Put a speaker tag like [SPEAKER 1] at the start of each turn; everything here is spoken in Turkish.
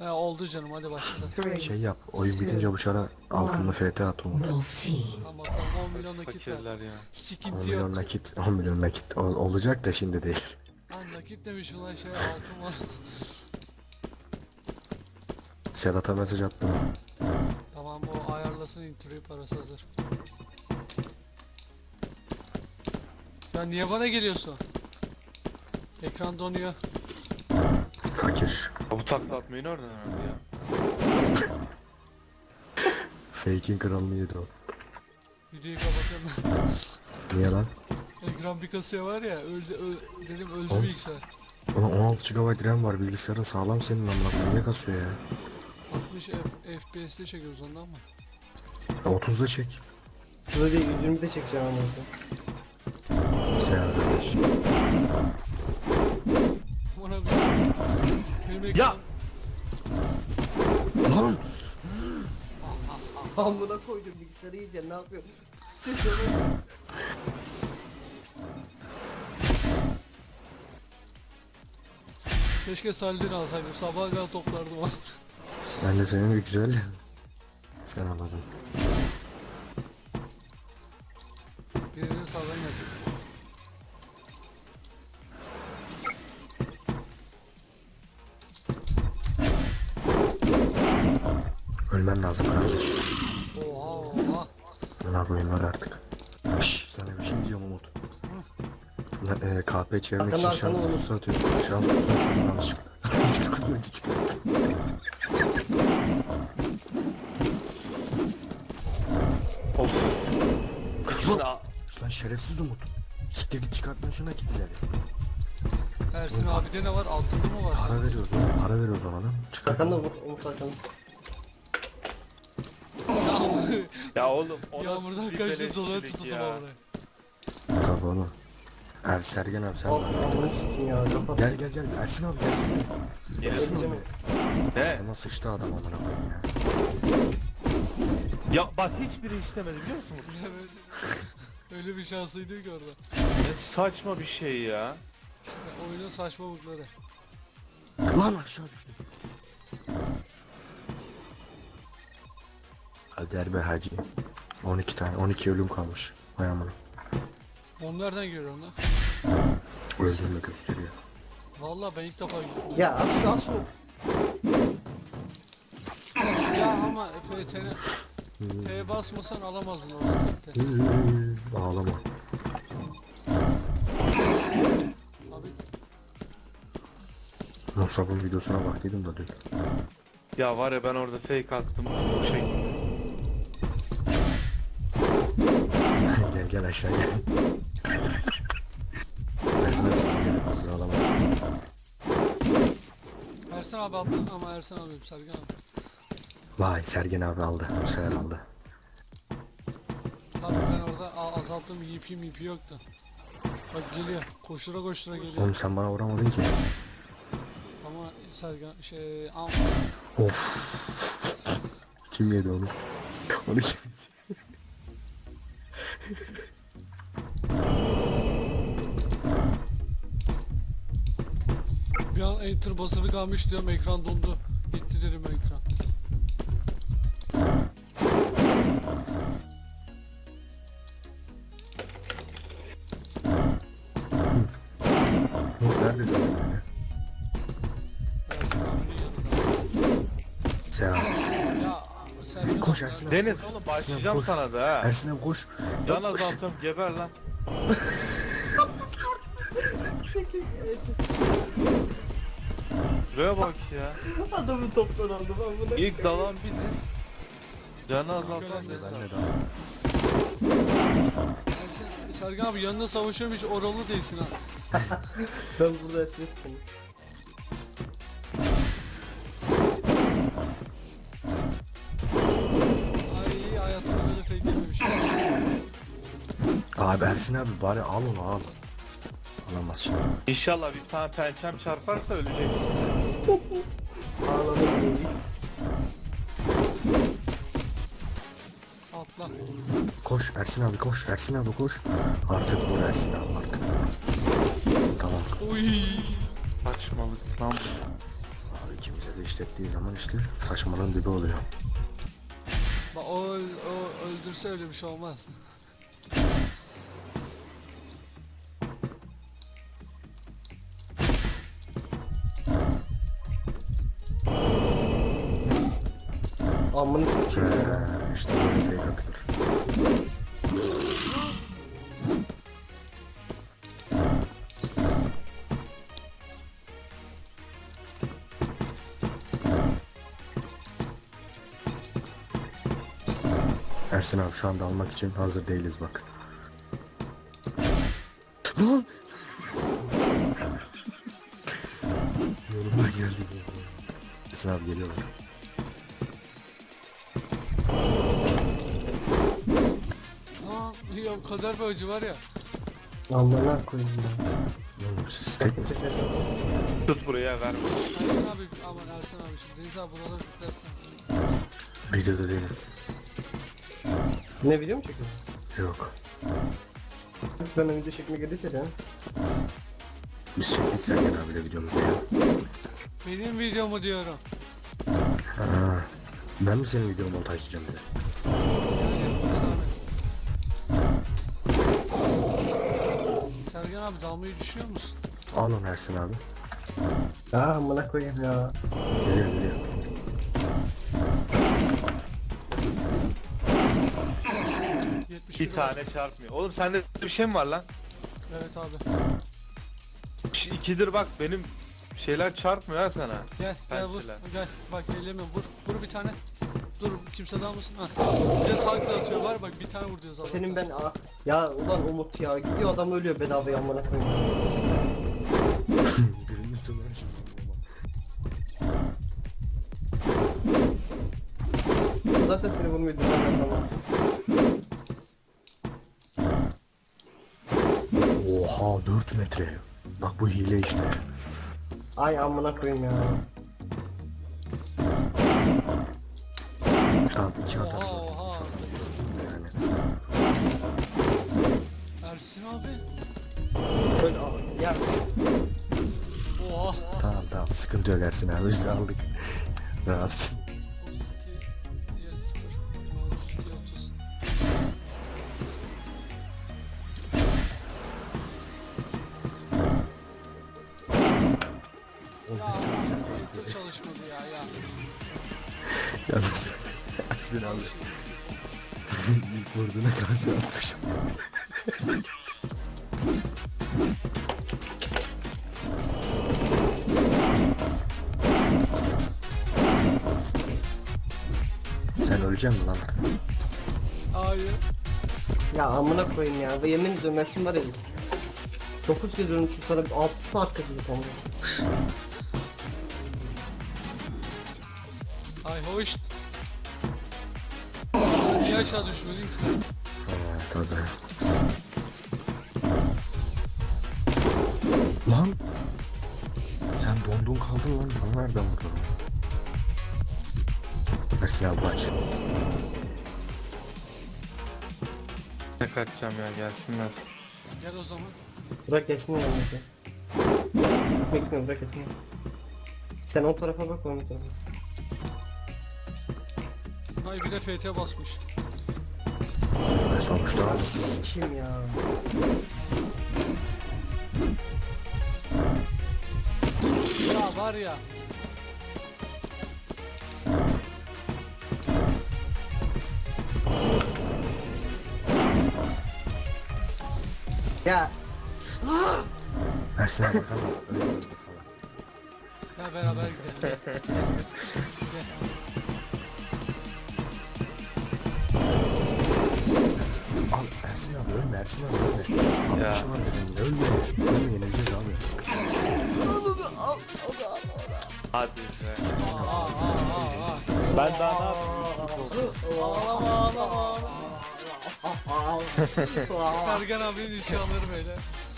[SPEAKER 1] He oldu canım, hadi başla.
[SPEAKER 2] Şey yap, oyun bitince bu çara altında FT at Umut.
[SPEAKER 1] Tamam bakalım, 10 milyon nakit ver.
[SPEAKER 3] Fakirler ya.
[SPEAKER 2] 10
[SPEAKER 1] Sıkıntı
[SPEAKER 2] milyon
[SPEAKER 1] yok.
[SPEAKER 2] nakit, 10 milyon nakit olacak da şimdi değil.
[SPEAKER 1] Lan nakit demiş ulan, şey altın var.
[SPEAKER 2] Sedat'a mesaj attım.
[SPEAKER 1] Tamam, o ayarlasın, introyu, parası hazır. Ya niye bana geliyorsun? Ekran donuyor.
[SPEAKER 2] Fakir.
[SPEAKER 3] Bu takla atmayı nereden öğrendi ya?
[SPEAKER 2] Fake'in kralını yedi o.
[SPEAKER 1] Videoyu kapatıyorum ben.
[SPEAKER 2] Niye lan?
[SPEAKER 1] Ekran bir kasıyor var ya, dedim öldü
[SPEAKER 2] Oğlum,
[SPEAKER 1] bilgisayar.
[SPEAKER 2] Ulan 16 GB RAM var, bilgisayarın sağlam senin amına koyayım, niye kasıyor ya?
[SPEAKER 1] 60 FPS'te çekiyoruz ondan mı?
[SPEAKER 2] 30'da çek.
[SPEAKER 4] Şurada değil 120'de çekeceğim ama.
[SPEAKER 2] Sen arkadaş.
[SPEAKER 1] Bana bir... Benim ekran...
[SPEAKER 3] Ya!
[SPEAKER 2] Lan!
[SPEAKER 4] Amına koydum bilgisayarı iyice ne yapıyor? Siz yapın.
[SPEAKER 1] Keşke Salih'den alsaydım, sabaha kadar toplardım onu.
[SPEAKER 2] Ben de senin bir güzel. Sen anladın.
[SPEAKER 1] Birinin sağdan gelecek.
[SPEAKER 2] Ölmen lazım kardeş.
[SPEAKER 1] Oha oha.
[SPEAKER 2] Ne koyayım var artık. Şşş, sana bir şey diyeceğim Umut. Lan, KP çevirmek için
[SPEAKER 4] Arkana,
[SPEAKER 2] şans
[SPEAKER 4] arkana
[SPEAKER 2] kutusu atıyorum. Şans kutusunu şuradan yanlışlıkla. Çocuk önce çıkarttım.
[SPEAKER 3] Of. İkisini al.
[SPEAKER 2] Lan şerefsiz Umut. Siktir git, çıkart lan şuna git ileri.
[SPEAKER 1] Ersin abide ne var? Altında mı var?
[SPEAKER 2] Para veriyoruz lan. Para veriyoruz ona lan. Çıkart.
[SPEAKER 4] Arkanda Umut arkanda.
[SPEAKER 3] Ya oğlum o nasıl
[SPEAKER 1] Yağmurdan
[SPEAKER 3] bir
[SPEAKER 1] kaçtı, dolara
[SPEAKER 3] beleşçilik
[SPEAKER 1] tutuldu
[SPEAKER 3] ya.
[SPEAKER 1] oraya.
[SPEAKER 2] Tabii oğlum. Sergen abi sen
[SPEAKER 4] Al
[SPEAKER 2] de.
[SPEAKER 4] amına sikin ya kapat.
[SPEAKER 2] Gel gel gel. Ersin abi gelsin.
[SPEAKER 3] Gelsin.
[SPEAKER 4] Geleceğim.
[SPEAKER 3] Ne?
[SPEAKER 2] Ağzıma sıçtı adam amına koyayım ya.
[SPEAKER 3] Ya bak hiçbiri işlemedi biliyor musunuz?
[SPEAKER 1] Evet. Öyle bir şanslıydı ki orada.
[SPEAKER 3] Ne saçma bir şey ya.
[SPEAKER 1] İşte oyunun saçmalıkları.
[SPEAKER 2] Lan aşağı düştüm. Hadi Erbe Hacı. 12 tane, 12 ölüm kalmış. Vay amına.
[SPEAKER 1] Onu nereden görüyorsun lan?
[SPEAKER 2] Öldüğümü gösteriyor.
[SPEAKER 1] Vallahi ben ilk defa gördüm.
[SPEAKER 4] Ya al şunu.
[SPEAKER 1] Ya ama PT'ne P basmasan alamazdın orada tek.
[SPEAKER 2] Ağlama.
[SPEAKER 1] Abi
[SPEAKER 2] Musab'ın videosuna baktıydım da dün.
[SPEAKER 3] Ya var ya ben orada fake attım. O şey.
[SPEAKER 2] Gel gel aşağı gel. Ersin abi hazır ağlama.
[SPEAKER 1] Ersin abi attı ama Ersin abi Sergen abi.
[SPEAKER 2] Vay Sergen abi aldı. Bu sefer aldı.
[SPEAKER 1] Abi ben orada azalttım, EP yoktu. Bak geliyor, koştura koştura geliyor.
[SPEAKER 2] Oğlum sen bana vuramadın ki.
[SPEAKER 1] Ama Sergen
[SPEAKER 2] Of. Kim yedi onu? Onu kim?
[SPEAKER 1] bir an enter basılı kalmış diyorum, ekran dondu. Gitti dedim ekran.
[SPEAKER 2] Neredesin?
[SPEAKER 1] Ersin abinin yanında.
[SPEAKER 2] Sergen.
[SPEAKER 1] Ya Sergen
[SPEAKER 2] Koş
[SPEAKER 1] abi,
[SPEAKER 2] Ersin abi.
[SPEAKER 3] Deniz oğlum başlayacağım
[SPEAKER 2] koş.
[SPEAKER 3] sana da ha.
[SPEAKER 2] Ersin abi koş.
[SPEAKER 3] Can azaltıyorum geber lan. Şuraya bak ya.
[SPEAKER 4] Adamı toptan aldım amına.
[SPEAKER 3] İlk dalan biziz. Canı azaltan
[SPEAKER 2] Ben
[SPEAKER 3] Deniz.
[SPEAKER 2] de daha.
[SPEAKER 1] Sergen abi yanında savaşıyorum, hiç oralı değilsin ha.
[SPEAKER 4] Ben burada esnek tuttum.
[SPEAKER 1] Ay hayatımda böyle fake yememiş.
[SPEAKER 2] Abi Ersin abi bari al onu al. Alamaz şimdi.
[SPEAKER 3] İnşallah bir tane pençem çarparsa ölecek.
[SPEAKER 4] Ağladım değil.
[SPEAKER 1] Atla.
[SPEAKER 2] Koş Ersin abi koş. Ersin abi koş. Artık vur Ersin abi artık. Tamam.
[SPEAKER 1] Uy.
[SPEAKER 3] Saçmalık lan.
[SPEAKER 2] Abi ikimize de işlettiği zaman işte saçmalığın dibi oluyor.
[SPEAKER 1] Bak o öldürse öyle bir şey olmaz.
[SPEAKER 4] Amını sikeyim ya.
[SPEAKER 2] İşte böyle fake atılır. Ersin abi şu anda almak için hazır değiliz bak. Lan! Yorumlar geldi. Ersin abi geliyorlar.
[SPEAKER 1] Aa, ya kader bir acı var ya.
[SPEAKER 4] Amına koyayım ya.
[SPEAKER 2] Oğlum siz tek mi?
[SPEAKER 3] Tut buraya ver.
[SPEAKER 1] Ersin abi aman Ersin abi şimdi Deniz abi buraları yüklersen.
[SPEAKER 2] Videoda değilim.
[SPEAKER 4] Ne video mu çekiyorsun?
[SPEAKER 2] Yok.
[SPEAKER 4] Ben o video çekmeye gelirse ya.
[SPEAKER 2] Biz çektik Sergen abiyle videomuzu ya.
[SPEAKER 1] Benim videomu diyorum.
[SPEAKER 2] Ha. Ben mi senin videonu montajlayacağım bir de?
[SPEAKER 1] Yani yaparız abi. Sergen abi dalmayı düşüyor musun?
[SPEAKER 2] Al onu Ersin abi.
[SPEAKER 4] Ya amına koyayım ya.
[SPEAKER 2] Geliyor geliyor.
[SPEAKER 3] Bir tane çarpmıyor. Oğlum sende bir şey mi var lan?
[SPEAKER 1] Evet abi.
[SPEAKER 3] İkidir bak benim şeyler çarpmıyor ha sana.
[SPEAKER 1] Gel vur.
[SPEAKER 3] Pençeler.
[SPEAKER 1] Gel bak elleme vur bir tane. Dur kimse dalmasın. Ha. Bir de takla atıyor var bak bir tane vur diyor zaten.
[SPEAKER 4] Senin ben ya ulan Umut ya gidiyor adam ölüyor bedavaya amına koyayım.
[SPEAKER 2] Birinin üstüne
[SPEAKER 4] Zaten seni vurmuyordu ben zaman.
[SPEAKER 2] Oha 4 metre. Bak bu hile işte.
[SPEAKER 4] Ay amına koyayım ya.
[SPEAKER 2] Tamam 2 atarız.
[SPEAKER 1] Oha,
[SPEAKER 2] orada.
[SPEAKER 1] oha.
[SPEAKER 2] Şu anda yani.
[SPEAKER 1] Ersin abi.
[SPEAKER 4] Öyle ya.
[SPEAKER 1] Oha.
[SPEAKER 2] Tamam sıkıntı yok Ersin abi biz de aldık. Rahat.
[SPEAKER 1] 32 32 30. Ya filtre çalışmadı ya.
[SPEAKER 2] Yalnız Ersin abi. İlk vurduğuna kanser atmışım. Sen öleceksin mi lan?
[SPEAKER 1] Hayır.
[SPEAKER 4] Ya amına koyayım ya. Ve yemin ediyorum Ersin var ya. 9 kez ölmüşüm sana 6 saat kaçırdık ama.
[SPEAKER 1] Ay hoş. Niye aşağı düşmedin ki sen?
[SPEAKER 2] Tabii. Lan! Sen dondun kaldın lan. Bana nereden vurdun? Ersin abi aç.
[SPEAKER 3] Ne kaçacağım ya gelsinler.
[SPEAKER 1] Gel o zaman.
[SPEAKER 4] Bırak gelsin yanımıza. Bekliyorum bırak gelsin. Sen o tarafa bak o tarafa.
[SPEAKER 1] Hay bir de FT basmış.
[SPEAKER 2] Sonuçta abi.
[SPEAKER 4] Kim ya?
[SPEAKER 1] Ya var ya.
[SPEAKER 4] Ya
[SPEAKER 2] Ersin abi bakalım. Öyle öldü falan.
[SPEAKER 1] Gel beraber gidelim. Gel.
[SPEAKER 2] Al Ersin abi ölme Ersin abi ölme. Abi
[SPEAKER 3] Ya.
[SPEAKER 2] bir şey var dedim ölme. Ölme yenileceğiz abi.
[SPEAKER 3] Hadi be.
[SPEAKER 1] Aa.
[SPEAKER 3] Ben daha ne yapayım? Üçlük oldu.
[SPEAKER 1] Ağlama. Sergen abinin inşalları böyle.